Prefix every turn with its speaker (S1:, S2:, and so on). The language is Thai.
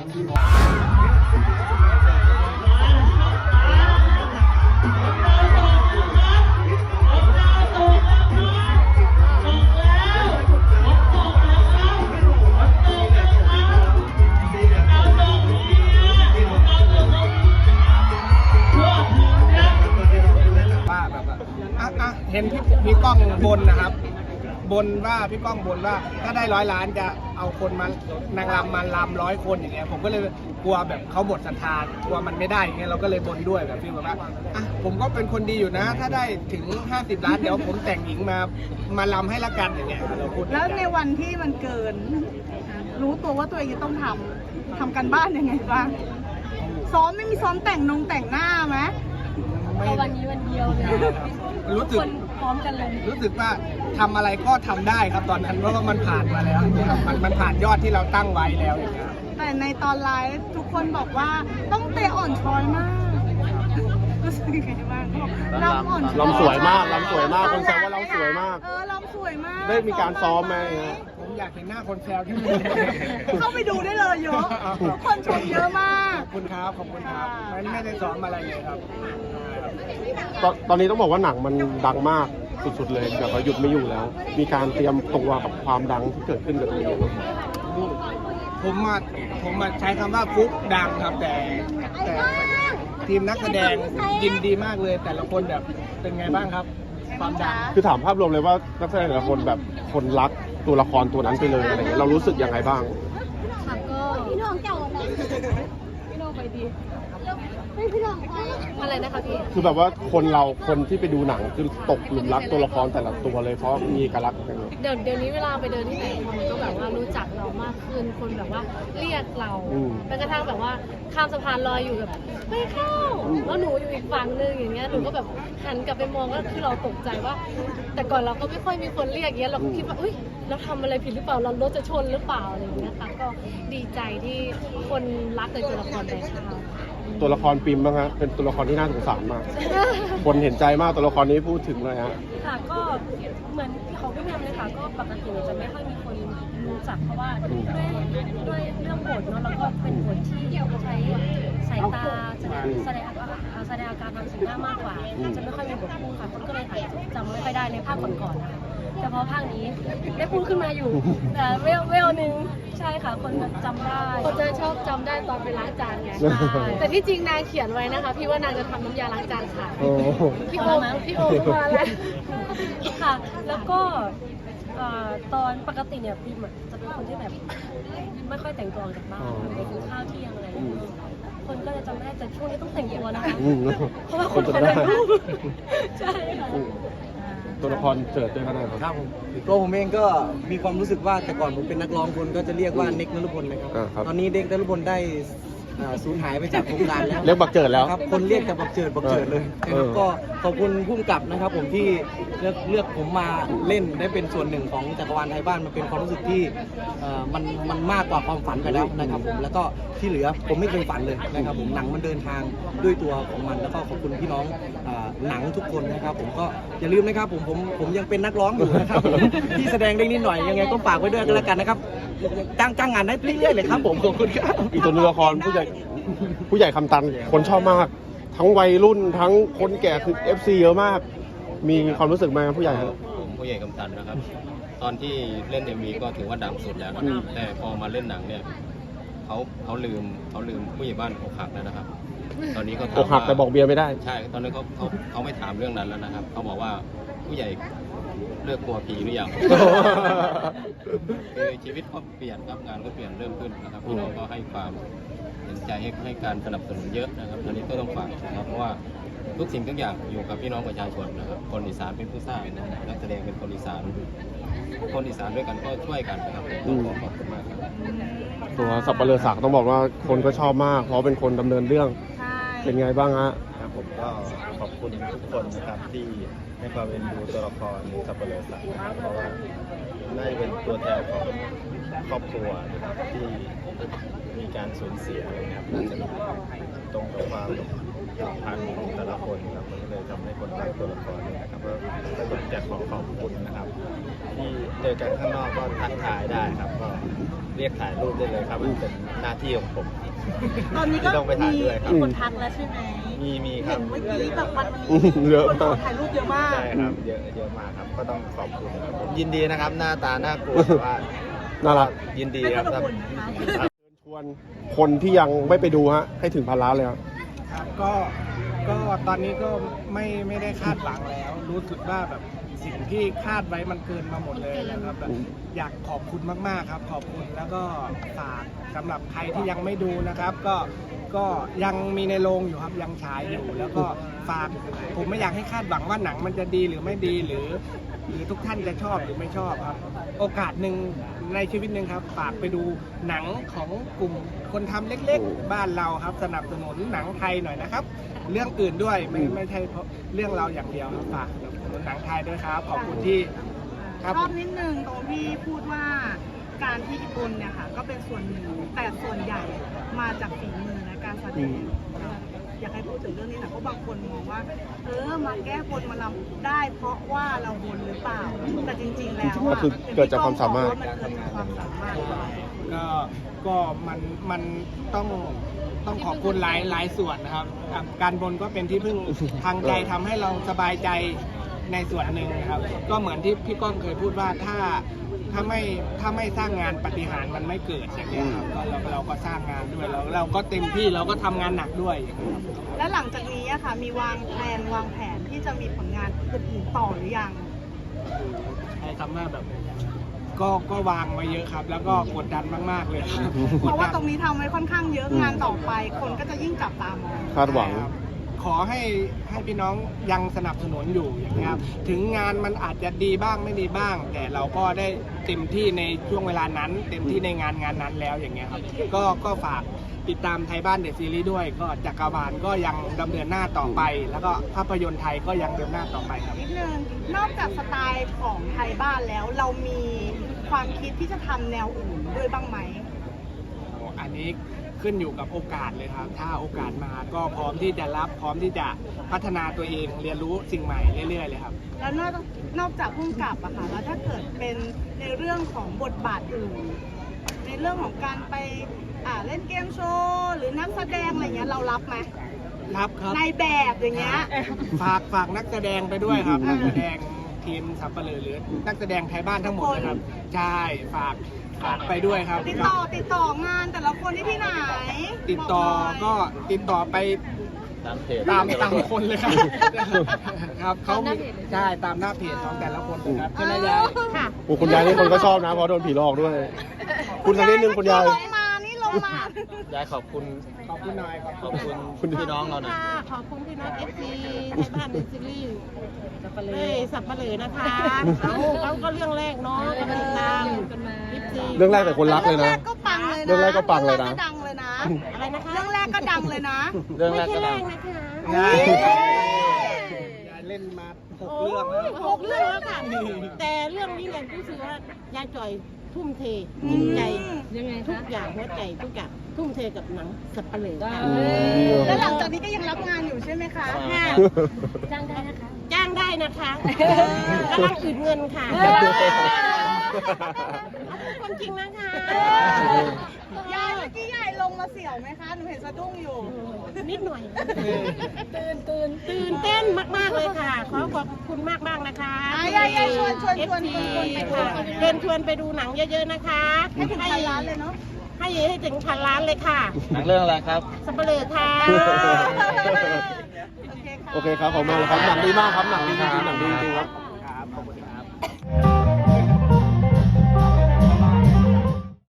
S1: เห็นพี่ก้องบนนะครับบนว่าพี่ก้องบนว่าถ้าได้100 ล้านจะเอาคนมานางรำมาลำ100 คนอย่างเงี้ยผมก็เลยกลัวแบบเขาหมดศรัทธากลัวมันไม่ได้อย่างเงี้ยเราก็เลยบนด้วยแบบพี่บอกว่าผมก็เป็นคนดีอยู่นะถ้าได้ถึง50 ล้านเดี๋ยวผมแต่งหญิงมาลำให้ละกันอย่างเงี้ยเราพูด
S2: แล้วในวันที่มันเกินรู้ตัวว่าตัวเองจะต้องทำกันบ้านยังไงบ้างซ้อมไม่มีซ้อมแต่งหน้าไหม
S3: วันนี้วันเดียวเลย
S1: รู้สึก
S3: พร้อมกันเลย
S1: รู้สึกว่าทำอะไรก็ทำได้ครับตอนนั้นเพราะว่ามันผ่านมาแล้วมันผ่านยอดที่เราตั้งไว้แล้วอย่างเงี้ย
S2: แต่ในตอนไลฟ์ทุกคนบอกว่าต้องเตะอ่อนช้อยมากรู้สึกยังไงบ้างลำอ่อน
S4: ลำสวยมากลำสวยมากคนแซวว่าลำสวยมาก
S2: ลำสวยมาก
S4: ได้มีการซ้อมไหม
S1: ผมอยากเห็นหน้าคนแซวที่
S2: เข้าไปดูได้เลยเยอะทุกคนชมเยอะมาก
S1: ขอบคุณครับไม่ได้ซ้อมอะไรเลยครับ
S4: ตอนนี้ต้องบอกว่าหนังมันดังมากสุดๆเลยแบบว่าหยุดไม่อยู่แล้ว มีการเตรียมตัวกับความดังที่เกิดขึ้นกับตัวเอง
S1: ผมมาใช้คำว่าฟุกดังครับแต่ทีมนักแสดงยินดีมากเลยแต่ละคนแบบเป็นไงบ้างครับความดัง
S4: คือถามภาพรวมเลยว่านักแสดงแต่ละคนแบบคนรักตัวละครตัวนั้นไปเลยอะไรเงี้ยเรารู้สึกยังไงบ้าง
S3: ค่ะก็พี่น้องเก่าพี่น้องไปดีพี่น้องอะไรนะคะพี่
S4: คือแบบว่าคนที่ไปดูหนังคือตกหลุมรักตัวละครแต่ละตัวเลยเพราะมีเอกลักษณ์กัน
S3: เดี๋ยวนี้เวลาไปเดินที่ไหนคนก็แบบว่ารู้จักเรามากขึ้นคนแบบว่าเรียกเราแม้กระทั่งแบบว่าข้ามสะพานลอยอยู่แบบไม่เข้าแล้วหนูอยู่อีกฝั่งนึงอย่างเงี้ยหนูก็แบบหันกลับไปมองก็คือเราตกใจว่าแต่ก่อนเราก็ไม่ค่อยมีคนเรียกเงี้ยเราก็คิดว่าเราทำอะไรผิดหรือเปล่าเรารถจะชนหรือเปล่าอะไรอย่างเงี้ยค่ะก็ดีใจที่คนรักในตัวละครแบบเรา
S4: ตัวละครปิมบ้างฮะเป็นตัวละครที่น่าสงสารมากคนเห็นใจมากตัวละครนี้พูดถึงเลยฮะ
S3: ค่ะก็เหมือนของพี่แมมเลยค่ะก็ปกติจะไม่ค่อยมีคนรู้จักเพราะว่าด้วยเรื่องบทเนาะแล้วก็เป็นบทที่ใช้สายตาแสดงอาการทางสีหน้ามากกว่าจะไม่ค่อยมีบทพูดค่ะคนก็เลยอาจจะจำไม่ค่อยได้ในภาคก่อนๆนะคะแต่พอภาคนี้ได้พูดขึ้นมาอยู่แต่เวลนึงใช่ค่ะคนจำได้คนจะชอบจำได้ตอนไปล้างจานไงแต่ที่จริงนางเขียนไว้นะคะพี่ว่านางจะทำน้ำยาล้างจานค่ะพี่โอมาแล้วค่ะแล้วก็ตอนปกติเนี่ยพี่จะเป็นคนที่แบบไม่ค่อยแต่งตัวออกจากบ้านไปกินข้าวเที่ยงอะไรคนก็จะจำได้แต่ช่วงนี้ต้องแต่งตัวนะคะเพราะว่าคนจะได้ใช่ค่ะ
S4: ตัวละครเจิดด้วยกันนะครับ
S5: ตัวผมเองก็มีความรู้สึกว่าแต่ก่อนผมเป็นนักร้องคนก็จะเรียกว่าเน็กนฤพลนะครับตอนนี้เน็กนฤพลได้สูญหายไปจากวงการแล้ว
S4: เรียกบักเจิดแล้ว
S5: ครับคนเรียกแต่บักเจิดเลยนะครับก็ขอบคุณผู้กำกับนะครับผมที่เลือกผมมาเล่นได้เป็นส่วนหนึ่งของจักรวาลไทยบ้านมันเป็นความรู้สึกที่มันมากกว่าความฝันไปแล้วนะครับผมแล้วก็ที่เหลือผมไม่เคยฝันเลยนะครับผมหนังมันเดินทางด้วยตัวของมันแล้วก็ขอบคุณพี่น้องหนังทุกคนนะครับผมก็อย่าลืมนะครับผมยังเป็นนักร้องอยู่นะครับที่แสดงได้นิดหน่อยยังไงก็ฝากไว้ด้วยกันแล้วกันนะครับจ้างงานได้เรื่อยๆเลยครับผมขอบคุณครับ
S4: อีกตัวละครผู้ใหญ่คำตันคนชอบมากทั้งวัยรุ่นทั้งคนแก่คือ FC เยอะมากมีความรู้สึกไหมผู้ใหญ่ครับ
S6: ผมผู้ใหญ่คำตันนะครับตอนที่เล่น MV ก็ถือว่าดังสุดแล้วนะครับแต่พอมาเล่นหนังเนี่ยเขาลืมผู้ใหญ่บ้านอกหักแล้วนะครับตอนนี้เขา
S4: อกหักแต่บอกเบียร์ไม่ได้
S6: ใช่ตอนนี้เขาไม่ถามเรื่องนั้นแล้วนะครับเขาบอกว่าผู้ใหญ่เลิกกลัวผีหรือยังคือชีวิตก็เปลี่ยนครับงานก็เปลี่ยนเริ่มขึ้นนะครับพี่น้องก็ให้ความเห็นใจให้การสนับสนุนเยอะนะครับตอนนี้ก็ต้องฝากนะครับเพราะว่าทุกสิ่งทุกอย่างอยู่กับพี่น้องประชาชนนะครับคนอีสานเป็นผู้สร้างนักแสดงเป็นคนอีสานด้วยกันก็ช่วยกันนะครับต้องขอบคุณมากครับ
S4: ตัวสับปะเลอศักดิ์ต้องบอกว่าคนก็ชอบมากเพราะเป็นคนดำเนินเรื่องเป็นไงบ้างฮะ
S7: ครับผมก็ขอบคุณทุกคนนะครับที่ให้ความเอ็นดูตัวละครสับปะเลอศักดิ์เพราะว่าได้เป็นตัวแทนของครอบครัวนะครับที่มีการสูญเสียอะไรครับน่าจะตรงกับความสัมพันธ์ของแต่ละคนครับมันก็เลยทำให้คนรักตัวละครเนี่ยนะครับก็อยากขอบคุณนะครับที่เจอกันข้างนอกก็ทักทายได้ครับก็เรียกถ่ายรูปได้เลยครับมันเป็นหน้าที่ของผม
S2: ตอนนี้ก็
S7: ที่ต้องไปถ่ายด้วยครับ
S2: มีคนทักแล้วใช่ไหม
S7: มีค
S2: เห็
S7: รับ
S2: นเมื่อกี้แบบวันนี้
S4: เยอะ
S2: คน
S4: มาก
S2: ถ่ายรูปเยอะมาก
S7: ใช่ครับเยอะมากครับก็ต้องขอบคุณครับผมยินดีนะครับหน้าตาน่ากลัวแต่ว่า
S4: น่ารัก
S7: ยินดี
S2: ไม่
S7: ครับ
S2: ต้องกังวลนะคะ
S4: ชวนคนที่ยังไม่ไปดูฮะให้ถึง1,000 ล้านเลยครับ
S1: ครับก็ตอนนี้ก็ไม่ได้คาดหวังแล้ว รู้สึกว่าแบบสิ่งที่คาดไว้มันเกินมาหมดเลยนะครับแบบอยากขอบคุณมากๆครับ ขอบคุณแล้วก็ฝากสำหรับใครที่ยังไม่ดูนะครับ ก็ยังมีในโรงอยู่ครับยังฉายอยู่ แล้วก็ฝากผมไม่อยากให้คาดหวังว่าหนังมันจะดีหรือไม่ดีหรือทุกท่านจะชอบหรือไม่ชอบครับ โอกาสหนึ่งในชีวิตหนึ่งครับฝากไปดูหนังของกลุ่มคนทำเล็กๆบ้านเราครับสนับสนุนหนังไทยหน่อยนะครับ เรื่องอื่นด้วยไม่ใช่เพราะเรื่องเราอย่างเดียวครับฝากสนับสนุนหนังไทยด้วยครับขอบคุณที่ครับ
S2: ชอบนิดนึงตรงที่พูดว่าการที่บนเนี่ยค่ะก็เป็นส่วนหนึ่งแต่ส่วนใหญ่มาจากฝีมือและการแสดงอยากให้พูดถึงเรื่องนี้หน่อยเพราะบางคนมองว่ามาแก้บนมาลำได้เพราะว่าเราบนหรือเปล่าแต่จริงๆแล้ว
S4: ก็คือเกิดจากความสามารถ
S2: มันเกิดจากความสามารถ
S1: ก็มันต้องขอบคุณหลายส่วนนะครับการบนก็เป็นที่พึ่งทางใจทำให้เราสบายใจในส่วนหนึ่งนะครับ ก็เหมือนที่พี่ก้องเคยพูดว่าถ้าไม่สร้างงานปาฏิหาริย์มันไม่เกิดอย่างนี้ยครับก็เราก็สร้างงานด้วยเราก็เต็มที่เราก็ทำงานหนักด้วยอย่างเงี้ยครับ
S2: และหลังจากนี้อะค่ะมีวางแผนที่จะมีผลงานอื่นๆต่อหรือยัง
S1: ใช้คำว่าแบบก็วางไว้เยอะครับ แล้วก็กดดันมากๆเลยครับ
S2: เพราะว่าตรงนี้ทำไว้ค่อนข้างเยอะงานต่อไป คนก็จะยิ่งจับตามอง
S4: คาดหวัง
S1: ขอให้พี่น้องยังสนับสนุนอยู่อย่างนี้ยครับถึงงานมันอาจจะดีบ้างไม่ดีบ้าง แต่เราก็ได้เต็มที่ในช่วงเวลานั้น เต็มที่ในงานนั้นแล้วอย่างเงี้ยครับก็ฝากติดตามไทยบ้านเดอะซีรีส์ด้วย ก็จักรวาลก็ยังดำเนินหน้าต่อไป แล้วก็ภาพยนตร์ไทยก็ยังเดินหน้าต่อไปครับ
S2: นิดนึงนอกจากสไตล์ของไทยบ้านแล้ว เรามีความคิดที่จะทำแนวอื่นด้วยบ้างไหม
S1: อันนี้ขึ้นอยู่กับโอกาสเลยครับ ถ้าโอกาสมาก็พร้อมที่จะรับพร้อมที่จะพัฒนาตัวเองเรียนรู้สิ่งใหม่เรื่อยๆเลยครับ
S2: แล้วนอกจากพุ่งกลับอะค่ะแล้วถ้าเกิดเป็นในเรื่องของบทบาทอื่น ในเรื่องของการไปเล่นเกมโชว์หรือนักแสดงอะไรเงี้ยเรารับไหม
S1: รับครับ
S2: ในแบบอย่างเงี้ย
S1: ฝากนักแสดงไปด้วยครับนักแสดงทีมสับปะเลอหรือนักแสดงไทยบ้านทั้งหมดนะครับใช่ฝากไปด้วยครับ
S2: ติดต่องานแต่ละคนที่ไหน
S1: ติดต่อ
S2: บอกหน่ย
S1: ก็ติดต่อไป
S7: ตามเพจ
S1: ตามคนเลยครับ ครับเขามีใช่ตามหน้าเพจของแต่ละคนเลยครับใช่ไหมยาย
S2: ค่ะ
S4: โอ้คุณยายนี่คนก็ชอบนะเพราะโดนผีหลอกด้วย คุณสักนิดนึงคุณยาย
S2: ลงมานี่ลงมา
S7: ยายขอบคุณ
S1: ขอบคุณหน่อย
S7: ขอบคุณพี่น้องเราหน่อย
S8: ค่ะขอบคุณพี่น้องเอฟซีไทยบ้านเดอะซีรีส์
S3: สับปะเล
S8: เฮ้ยสับปะเหลือนะคะเขาก็เรื่องแรกเนาะก็ติดตาม
S3: กันมา
S8: ยิปซี
S4: เรื่องแรกแต่คนรักเลยนะ
S2: เรื่องแรกก็ปังเลยนะ
S4: เรื่องแรกก็ปังเลยนะ
S2: เรื่องแรกก็ดังเลยนะ
S8: อะไรนะคะ
S2: เรื่องแรกก็ดังเลยนะ
S7: เรื่องแร
S8: ไม่
S7: ก
S8: ใช่
S7: ก็
S8: แร
S7: ดัง
S8: กนะคะ
S1: ยาย
S2: เฮ้ย
S1: ยายเล่นมา6
S8: โอ้
S1: เรื่องแล้ว
S8: ยหกเรื่องแล้วค่ะ แต่เรื่องนี้เนี่ยรู้สึกว่ายายจ่อยทุ่มเทจิตใจ
S3: ยังไง
S8: ทุก
S3: คะ
S8: อย่างหัวใจทุกอย่างทุ่มเทกับหนังสับปะเหลือค่ะ
S2: แล้วหลังจากนี้ก็ยังรับงานอยู่ใช่ไหมคะ
S8: ค่ะ
S3: จ้างได้นะคะ
S8: จ้างได้นะคะกำลังอื่นเงินค่ะคนจริงนะคะ
S2: ยายเมื่อกี้ยายลงมาเสี่ยวไหมคะ หนูเห็นสะดุ้งอยู่
S8: นิดหน่อย
S3: ตื่น
S8: ตื่นเต้นมาก ๆ เลยค่ะ ขอขอบคุณมาก ๆ นะคะ
S2: ยายชวน
S8: FT
S2: ไปดู
S8: ค่ะเชิญชวนไปดูหนังเยอะ ๆ นะคะ
S2: ให้ถึงพันล้านเลยเนาะ
S8: ให้ถึงพันล้านเลยค่ะ
S7: หนังเรื่องอะไรครับ
S8: สับปะเลอค่ะ
S2: โอเคค่ะ
S4: โอเคครับขอบคุณมากเลยครับหนังดีมากครับหนังดีจริงๆหนังดีจริงๆครับ
S1: ครับขอบคุณครับ